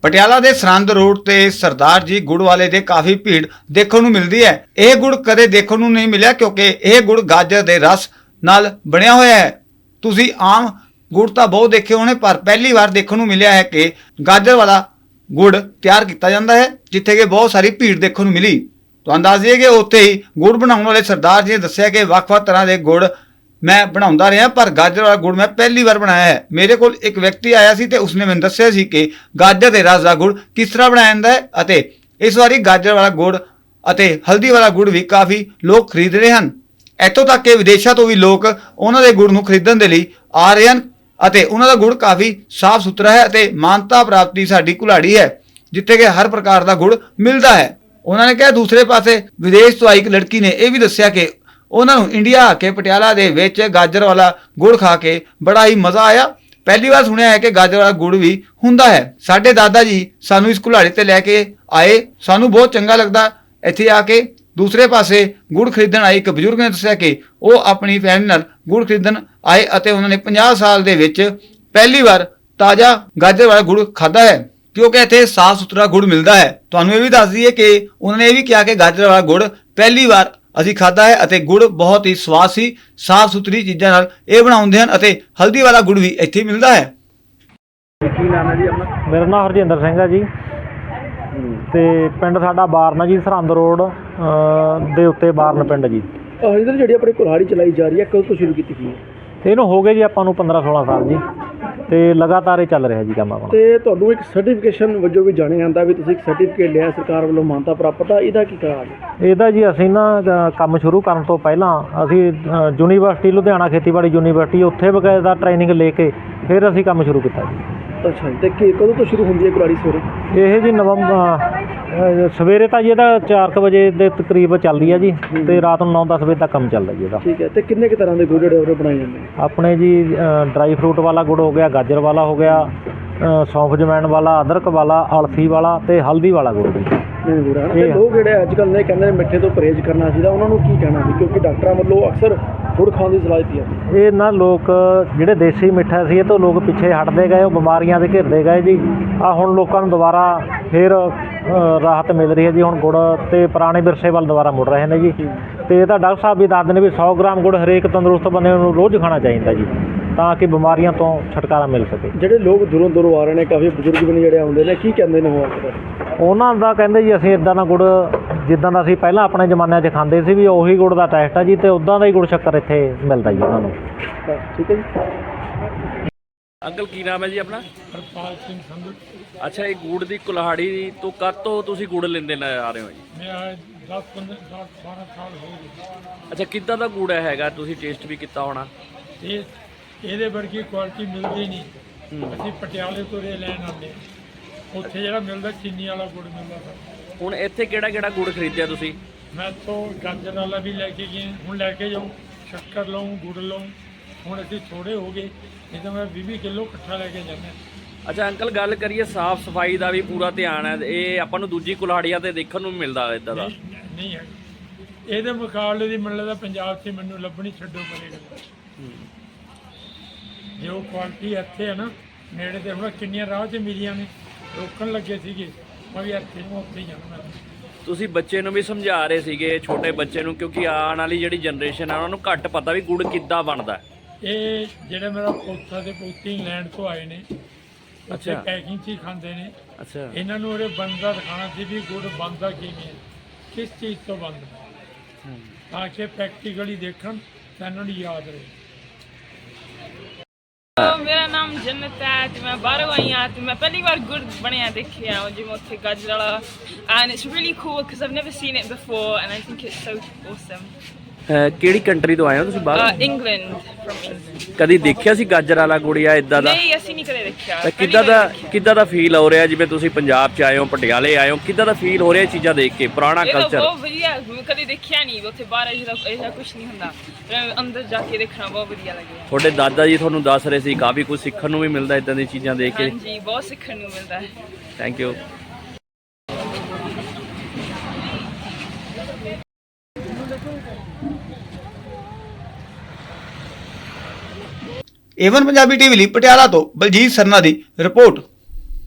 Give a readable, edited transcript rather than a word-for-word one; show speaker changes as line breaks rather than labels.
ਪਟਿਆਲਾ ਦੇ ਸਰਹੰਦ ਰੋਡ ਤੇ ਸਰਦਾਰ ਜੀ ਗੁੜ ਵਾਲੇ ਦੇ ਕਾਫੀ ਭੀੜ ਦੇਖਣ ਨੂੰ ਮਿਲਦੀ ਹੈ। ਇਹ ਗੁੜ ਕਦੇ ਦੇਖਣ ਨੂੰ ਨਹੀਂ ਮਿਲਿਆ ਕਿਉਂਕਿ ਇਹ ਗੁੜ ਗਾਜਰ ਦੇ ਰਸ ਨਾਲ ਬਣਿਆ ਹੋਇਆ ਹੈ। ਤੁਸੀਂ ਆਮ ਗੁੜ ਤਾਂ ਬਹੁਤ ਦੇਖੇ ਹੋਣੇ, ਪਰ ਪਹਿਲੀ ਵਾਰ ਦੇਖਣ ਨੂੰ ਮਿਲਿਆ ਹੈ ਕਿ ਗਾਜਰ ਵਾਲਾ ਗੁੜ ਤਿਆਰ ਕੀਤਾ ਜਾਂਦਾ ਹੈ, ਜਿੱਥੇ ਕਿ ਬਹੁਤ ਸਾਰੀ ਭੀੜ ਦੇਖਣ ਨੂੰ ਮਿਲੀ। ਤੁਹਾਨੂੰ ਦੱਸ ਦਈਏ ਕਿ ਉੱਥੇ ਹੀ ਗੁੜ ਬਣਾਉਣ ਵਾਲੇ ਸਰਦਾਰ ਜੀ ਨੇ ਦੱਸਿਆ ਕਿ ਵੱਖ-ਵੱਖ ਤਰ੍ਹਾਂ ਦੇ ਗੁੜ ਮੈਂ ਬਣਾਉਂਦਾ ਰਿਹਾ, ਪਰ ਗਾਜਰ ਵਾਲਾ ਗੁੜ ਮੈਂ ਪਹਿਲੀ ਵਾਰ ਬਣਾਇਆ ਹੈ। ਮੇਰੇ ਕੋਲ ਇੱਕ ਵਿਅਕਤੀ ਆਇਆ ਸੀ ਤੇ ਉਸਨੇ ਮੈਨੂੰ ਦੱਸਿਆ ਸੀ ਕਿ ਗਾਜਰ ਦੇ ਰਸ ਦਾ ਗੁੜ ਕਿਸ ਤਰ੍ਹਾਂ ਬਣਾਇਆ ਜਾਂਦਾ ਹੈ ਅਤੇ ਇਸ ਵਾਰੀ ਗਾਜਰ ਵਾਲਾ ਗੁੜ ਅਤੇ ਹਲਦੀ ਵਾਲਾ ਗੁੜ ਵੀ ਕਾਫੀ ਲੋਕ ਖਰੀਦ ਰਹੇ ਹਨ। ਇੱਥੋਂ ਤੱਕ ਕਿ ਵਿਦੇਸ਼ਾਂ ਤੋਂ ਵੀ ਲੋਕ ਉਹਨਾਂ ਦੇ ਗੁੜ ਨੂੰ ਖਰੀਦਣ ਦੇ ਲਈ ਆ ਰਹੇ ਹਨ ਅਤੇ ਉਹਨਾਂ ਦਾ ਗੁੜ ਕਾਫੀ ਸਾਫ਼ ਸੁਥਰਾ ਹੈ ਅਤੇ ਮਾਨਤਾ ਪ੍ਰਾਪਤੀ ਸਾਡੀ ਕੁਲਾੜੀ ਹੈ, ਜਿੱਥੇ ਕਿ ਹਰ ਪ੍ਰਕਾਰ ਦਾ ਗੁੜ ਮਿਲਦਾ ਹੈ। ਉਹਨਾਂ ਨੇ ਕਿਹਾ ਦੂਸਰੇ ਪਾਸੇ ਵਿਦੇਸ਼ ਤੋਂ ਆਈ ਇੱਕ ਲੜਕੀ ਨੇ ਇਹ ਵੀ ਦੱਸਿਆ ਕਿ ਉਹਨਾਂ ਨੂੰ ਇੰਡੀਆ ਆ ਕੇ ਪਟਿਆਲਾ ਦੇ ਵਿੱਚ ਗਾਜਰ ਵਾਲਾ ਗੁੜ ਖਾ ਕੇ ਬੜਾ ਹੀ ਮਜ਼ਾ ਆਇਆ। ਪਹਿਲੀ ਵਾਰ ਸੁਣਿਆ ਹੈ ਕਿ ਗਾਜਰ ਵਾਲਾ ਗੁੜ ਵੀ ਹੁੰਦਾ ਹੈ। ਸਾਡੇ ਦਾਦਾ ਜੀ ਸਾਨੂੰ ਇਸ ਕੁਲਾੜੀ ਤੇ ਲੈ ਕੇ ਆਏ, ਸਾਨੂੰ ਬਹੁਤ ਚੰਗਾ ਲੱਗਦਾ ਇੱਥੇ ਆ ਕੇ। ਦੂਸਰੇ ਪਾਸੇ ਗੁੜ ਖਰੀਦਣ ਆਏ ਇੱਕ ਬਜ਼ੁਰਗ ਨੇ ਦੱਸਿਆ ਕਿ ਉਹ ਆਪਣੀ ਫੈਮਿਲੀ ਨਾਲ ਗੁੜ ਖਰੀਦਣ ਆਏ ਅਤੇ ਉਹਨਾਂ ਨੇ 50 ਸਾਲ ਦੇ ਵਿੱਚ ਪਹਿਲੀ ਵਾਰ ਤਾਜ਼ਾ ਗਾਜਰ ਵਾਲਾ ਗੁੜ ਖਾਧਾ ਹੈ, ਕਿਉਂਕਿ ਇੱਥੇ ਸਾਫ਼ ਸੁਥਰਾ ਗੁੜ ਮਿਲਦਾ ਹੈ। ਤੁਹਾਨੂੰ ਇਹ ਵੀ ਦੱਸ ਦਈਏ ਕਿ ਉਹਨਾਂ ਨੇ ਇਹ ਵੀ ਕਿਹਾ ਕਿ ਗਾਜਰ ਵਾਲਾ ਗੁੜ ਪਹਿਲੀ ਵਾਰ ਅਸੀਂ ਖਾਧਾ ਹੈ ਅਤੇ ਗੁੜ ਬਹੁਤ ਹੀ ਸਵਾਦ ਸੀ। ਸਾਫ਼ ਸੁਥਰੀ ਚੀਜ਼ਾਂ ਨਾਲ ਇਹ ਬਣਾਉਂਦੇ ਹਨ ਅਤੇ ਹਲਦੀ ਵਾਲਾ ਗੁੜ ਵੀ ਇੱਥੇ ਮਿਲਦਾ ਹੈ।
ਕੀ ਨਾਮ ਹੈ ਜੀ ਆਪਣਾ?
ਮੇਰਾ ਨਾਮ ਹਰਜਿੰਦਰ ਸਿੰਘ ਹੈ ਜੀ ਤੇ ਪਿੰਡ ਸਾਡਾ ਬਾਰਨ ਜੀ, ਸਰਹੰਦ ਰੋਡ ਦੇ ਉੱਤੇ ਬਾਰਨ ਪਿੰਡ ਜੀ।
ਹਰਜਿੰਦਰ, ਜਿਹੜੀ ਆਪਣੀ ਕੁਲਹਾੜੀ ਚਲਾਈ ਜਾ ਰਹੀ ਹੈ, ਕਦੋਂ ਤੋਂ ਸ਼ੁਰੂ ਕੀਤੀ ਗਈ ਹੈ?
ਇਹਨੂੰ ਹੋ ਗਏ ਜੀ ਆਪਾਂ ਨੂੰ 15-16 ਸਾਲ ਜੀ ਤੇ ਲਗਾਤਾਰ ਇਹ ਚੱਲ ਰਿਹਾ ਜੀ ਕੰਮ ਆਪਣਾ।
ਤੇ ਤੁਹਾਨੂੰ ਇੱਕ ਸਰਟੀਫਿਕੇਸ਼ਨ ਵਜੋਂ ਵੀ ਜਾਣਿਆ ਜਾਂਦਾ ਵੀ ਤੁਸੀਂ ਇੱਕ ਸਰਟੀਫਿਕੇਟ ਲਿਆ ਸਰਕਾਰ ਵੱਲੋਂ ਮਾਨਤਾ ਪ੍ਰਾਪਤ ਆ, ਇਹਦਾ ਕੀ ਕਾਰਨ ਹੈ?
ਇਹਦਾ ਜੀ ਅਸੀਂ ਨਾ ਕੰਮ ਸ਼ੁਰੂ ਕਰਨ ਤੋਂ ਪਹਿਲਾਂ ਅਸੀਂ ਯੂਨੀਵਰਸਿਟੀ ਲੁਧਿਆਣਾ ਖੇਤੀਬਾੜੀ ਯੂਨੀਵਰਸਿਟੀ ਉੱਥੇ ਬਕਾਇਦਾ ਟ੍ਰੇਨਿੰਗ ਲੈ ਕੇ ਫਿਰ ਅਸੀਂ ਕੰਮ ਸ਼ੁਰੂ ਕੀਤਾ ਜੀ।
ਅੱਛਾ ਜੀ, ਤੇ ਕਦੋਂ ਤੋਂ ਸ਼ੁਰੂ ਹੁੰਦੀ ਹੈ ਕੁਲਹਾੜੀ ਸਵੇਰੇ?
ਇਹ ਜੀ ਸਵੇਰੇ ਤਾਂ ਜੀ ਇਹਦਾ 4 ਵਜੇ ਦੇ ਤਕਰੀਬ ਚੱਲਦੀ ਹੈ ਜੀ ਤੇ ਰਾਤ ਨੂੰ 9-10 ਵਜੇ ਤੱਕ ਕੰਮ ਚੱਲਦਾ ਜੀ ਇਹਦਾ।
ਠੀਕ ਹੈ, ਤੇ ਕਿੰਨੇ ਕੁ ਤਰ੍ਹਾਂ ਦੇ ਗੁੜ ਜਿਹੜੇ ਉਹ ਬਣਾਏ ਜਾਂਦੇ ਨੇ?
ਆਪਣੇ ਜੀ ਡਰਾਈ ਫਰੂਟ ਵਾਲਾ ਗੁੜ ਹੋ ਗਿਆ, ਗਾਜਰ ਵਾਲਾ ਹੋ ਗਿਆ, ਸੌਂਫ ਜਮੈਣ ਵਾਲਾ, ਅਦਰਕ ਵਾਲਾ, ਅਲਸੀ ਵਾਲਾ ਤੇ ਹਲਦੀ ਵਾਲਾ ਗੁੜ ਜੀ।
ਗੁੜ ਹੈ ਤੇ ਲੋਕ ਜਿਹੜੇ ਅੱਜ ਕੱਲ੍ਹ ਨੇ ਕਹਿੰਦੇ ਨੇ ਮਿੱਠੇ ਤੋਂ ਪਰਹੇਜ਼ ਕਰਨਾ ਚਾਹੀਦਾ, ਉਹਨਾਂ ਨੂੰ ਕੀ ਕਹਿਣਾ ਸੀ? ਕਿਉਂਕਿ ਡਾਕਟਰਾਂ ਵੱਲੋਂ ਅਕਸਰ ਗੁੜ ਖਾਣ ਦੀ ਸਲਾਹ ਦਿੱਤੀ ਜਾਂਦੀ ਹੈ।
ਇਹ ਨਾ ਲੋਕ ਜਿਹੜੇ ਦੇਸੀ ਮਿੱਠਾ ਸੀ ਇਹ ਤੋਂ ਲੋਕ ਪਿੱਛੇ ਹਟਦੇ ਗਏ, ਉਹ ਬਿਮਾਰੀਆਂ ਦੇ ਘਿਰਦੇ ਗਏ ਜੀ। ਆ ਹੁਣ ਲੋਕਾਂ ਨੂੰ ਦੁਬਾਰਾ ਫਿਰ ਰਾਹਤ ਮਿਲ ਰਹੀ ਹੈ ਜੀ। ਹੁਣ ਗੁੜ ਤੇ ਪੁਰਾਣੇ ਵਿਰਸੇ ਵੱਲ ਦੁਬਾਰਾ ਮੁੜ ਰਹੇ ਨੇ ਜੀ। ਤੇ ਇਹ ਤਾਂ ਡਾਕਟਰ ਸਾਹਿਬ ਵੀ ਦੱਸਦੇ ਨੇ ਵੀ 100 ਗ੍ਰਾਮ ਗੁੜ ਹਰੇਕ ਤੰਦਰੁਸਤ ਬੰਦੇ ਨੂੰ ਰੋਜ਼ ਖਾਣਾ ਚਾਹੀਦਾ ਜੀ, ਤਾਂ ਕਿ ਬਿਮਾਰੀਆਂ ਤੋਂ ਛੁਟਕਾਰਾ ਮਿਲ ਸਕੇ।
ਜਿਹੜੇ ਲੋਕ ਦੂਰੋਂ ਦੂਰੋਂ ਆ ਰਹੇ ਨੇ, ਕਾਫੀ ਬਜ਼ੁਰਗ ਵੀ ਨੇ ਜਿਹੜੇ ਆਉਂਦੇ ਨੇ, ਕੀ ਕਹਿੰਦੇ ਨੇ ਉਹ?
ਉਹਨਾਂ ਦਾ ਕਹਿੰਦੇ ਜੀ ਅਸੀਂ ਇੱਦਾਂ ਦਾ ਗੁੜ ਜਿੱਦਾਂ ਦਾ ਅਸੀਂ ਪਹਿਲਾਂ ਆਪਣੇ ਜ਼ਮਾਨਿਆਂ 'ਚ ਖਾਂਦੇ ਸੀ ਵੀ ਉਹੀ ਗੁੜ ਦਾ ਟੇਸਟ ਆ ਜੀ, ਤੇ ਉੱਦਾਂ ਦਾ ਹੀ ਗੁੜ ਸ਼ੱਕਰ ਇੱਥੇ ਮਿਲਦਾ ਜੀ ਉਹਨਾਂ ਨੂੰ।
ਠੀਕ ਹੈ ਜੀ।
ਅੰਕਲ ਕੀ ਨਾਮ ਹੈ ਜੀ ਆਪਣਾ?
ਹਰਪਾਲ ਸਿੰਘ ਸੰਧੂ।
ਅੱਛਾ, ਇਹ ਗੁੜ ਦੀ ਕੁਲਹਾੜੀ ਤੋਂ ਕਦ ਤੋਂ ਤੁਸੀਂ ਗੁੜ ਲੈਂਦੇ ਆ ਰਹੇ ਹੋ ਜੀ?
ਮੈਂ 10-15 ਸਾਲ 12 ਸਾਲ ਹੋ ਗਏ।
ਅੱਛਾ, ਕਿੱਦਾਂ ਦਾ ਗੁੜ ਹੈਗਾ? ਤੁਸੀਂ ਟੇਸਟ ਵੀ ਕੀਤਾ ਹੋਣਾ।
ਇਹਦੇ ਵਰਗੀ ਕੁਆਲਿਟੀ ਮਿਲਦੀ ਨਹੀਂ। ਅਸੀਂ ਪਟਿਆਲੇ ਤੋਂ ਰੇ ਲੈਣ ਆਉਂਦੇ ਹਾਂ, ਉੱਥੇ ਜਿਹੜਾ ਮਿਲਦਾ ਚੀਨੀ ਵਾਲਾ ਗੁੜ ਮਿਲਦਾ ਸਰ।
ਹੁਣ ਇੱਥੇ ਕਿਹੜਾ ਗੁੜ ਖਰੀਦਿਆ ਤੁਸੀਂ?
ਮੈਂ ਤੋਂ ਗਾਜਰ ਵਾਲਾ ਵੀ ਲੈ ਕੇ ਗਏ, ਹੁਣ ਲੈ ਕੇ ਜਾਊਂ, ਸ਼ੱਕਰ ਲਊਂ, ਗੁੜ ਲਊਂ। ਹੁਣ ਅਸੀਂ ਥੋੜ੍ਹੇ ਹੋ ਗਏ, ਨਹੀਂ ਤਾਂ ਮੈਂ 20 ਕਿਲੋ ਇਕੱਠਾ ਲੈ ਕੇ ਜਾਂਦਾ।
ਅੱਛਾ ਅੰਕਲ, ਗੱਲ ਕਰੀਏ ਸਾਫ਼ ਸਫਾਈ ਦਾ ਵੀ ਪੂਰਾ ਧਿਆਨ ਹੈ। ਇਹ ਆਪਾਂ ਨੂੰ ਦੂਜੀ ਕੁਲਹਾੜੀਆਂ ਤੇ ਦੇਖਣ ਨੂੰ ਮਿਲਦਾ ਇੱਦਾਂ ਦਾ
ਨਹੀਂ ਹੈ। ਇਹਦੇ ਮੁਕਾਬਲੇ ਦੀ ਮੈਨੂੰ ਲੱਗਦਾ ਪੰਜਾਬ 'ਚ ਮੈਨੂੰ ਲੱਭਣੀ ਛੱਡੋ ਪਰੇਗਾ। ਜੇ ਉਹ ਕੁਆਲਿਟੀ ਇੱਥੇ ਹੈ ਨਾ ਨੇੜੇ ਤੇ, ਹੁਣ ਕਿੰਨੀਆਂ ਰਾਹ 'ਚ ਮਿਲੀਆਂ ਨੇ, ਰੋਕਣ ਲੱਗੇ ਸੀਗੇ, ਮੈਂ ਵੀ ਇੱਥੇ ਨੂੰ ਉੱਥੇ ਹੀ ਜਾਣਾ।
ਤੁਸੀਂ ਬੱਚੇ ਨੂੰ ਵੀ ਸਮਝਾ ਰਹੇ ਸੀਗੇ, ਛੋਟੇ ਬੱਚੇ ਨੂੰ, ਕਿਉਂਕਿ ਆਉਣ ਵਾਲੀ ਜਿਹੜੀ ਜਨਰੇਸ਼ਨ ਆ ਉਹਨਾਂ ਨੂੰ ਘੱਟ ਪਤਾ ਵੀ ਗੁੜ ਕਿੱਦਾਂ ਬਣਦਾ।
ਇਹ ਜਿਹੜੇ ਮੇਰਾ ਪੋਤਾ ਤੇ ਪੋਤੀ ਇੰਗਲੈਂਡ ਤੋਂ ਆਏ ਨੇ, ਉੱਥੇ
ਅੱਛਾ
ਪੈਕਿੰਗ 'ਚ ਹੀ ਖਾਂਦੇ ਨੇ।
ਅੱਛਾ,
ਇਹਨਾਂ ਨੂੰ ਉਹਦੇ ਬਣਦਾ ਦਿਖਾਉਣਾ ਸੀ ਵੀ ਗੁੜ ਬਣਦਾ ਕਿਵੇਂ ਹੈ, ਕਿਸ ਚੀਜ਼ ਤੋਂ ਬਣਦਾ, ਤਾਂ ਕਿ ਪ੍ਰੈਕਟੀਕਲੀ ਦੇਖਣ ਤਾਂ ਇਹਨਾਂ ਨੂੰ ਯਾਦ ਰਹੇ।
ਮੇਰਾ ਨਾਮ ਜੰਨਤ ਹੈ ਤੇ ਮੈਂ ਬਾਹਰੋਂ ਆਈ ਹਾਂ ਤੇ ਮੈਂ ਪਹਿਲੀ ਵਾਰ ਗੁੜ ਬਣਿਆ ਦੇਖਿਆ ਜਿਵੇਂ ਉੱਥੇ ਗਾਜਰ ਵਾਲਾ, and it's really cool because I've never seen it before and I think it's so awesome.
ਕਿਹੜੀ ਕੰਟਰੀ ਤੋਂ ਆਏ ਹੋ ਤੁਸੀਂ ਬਾਹਰ?
England, from England.
ਕਦੀ ਦੇਖਿਆ ਸੀ ਗਾਜਰ ਵਾਲਾ ਗੁੜ ਜਾਂ ਇਦਾਂ ਦਾ?
ਨਹੀਂ, ਅਸੀਂ ਨਹੀਂ ਕਦੇ ਦੇਖਿਆ।
ਤਾਂ ਕਿੱਦਾਂ ਦਾ ਫੀਲ ਹੋ ਰਿਹਾ ਜਿਵੇਂ ਤੁਸੀਂ ਪੰਜਾਬ 'ਚ ਆਏ ਹੋ, ਪਟਿਆਲੇ ਆਏ ਹੋ, ਕਿੱਦਾਂ ਦਾ ਫੀਲ ਹੋ ਰਿਹਾ ਇਹ ਚੀਜ਼ਾਂ ਦੇਖ ਕੇ, ਪੁਰਾਣਾ ਕਲਚਰ?
ਬਹੁਤ ਵਧੀਆ, ਮੈਂ ਕਦੇ ਦੇਖਿਆ ਨਹੀਂ ਉੱਥੇ ਬਾਹਰ ਇਹਦਾ ਕੁਝ ਨਹੀਂ ਹੁੰਦਾ, ਅੰਦਰ ਜਾ ਕੇ ਦੇਖਣਾ ਬਹੁਤ ਵਧੀਆ ਲੱਗਿਆ।
ਤੁਹਾਡੇ ਦਾਦਾ ਜੀ ਤੁਹਾਨੂੰ ਦੱਸ ਰਹੇ ਸੀ ਕਾਫੀ ਕੁਝ ਸਿੱਖਣ ਨੂੰ ਵੀ ਮਿਲਦਾ ਇਦਾਂ ਦੀਆਂ ਚੀਜ਼ਾਂ ਦੇਖ ਕੇ।
ਹਾਂਜੀ, ਬਹੁਤ ਸਿੱਖਣ ਨੂੰ ਮਿਲਦਾ ਹੈ।
Thank you.
Avon Punjabi TV ਲਈ ਪਟਿਆਲਾ ਤੋਂ ਬਲਜੀਤ ਸਰਨਾ ਦੀ ਰਿਪੋਰਟ।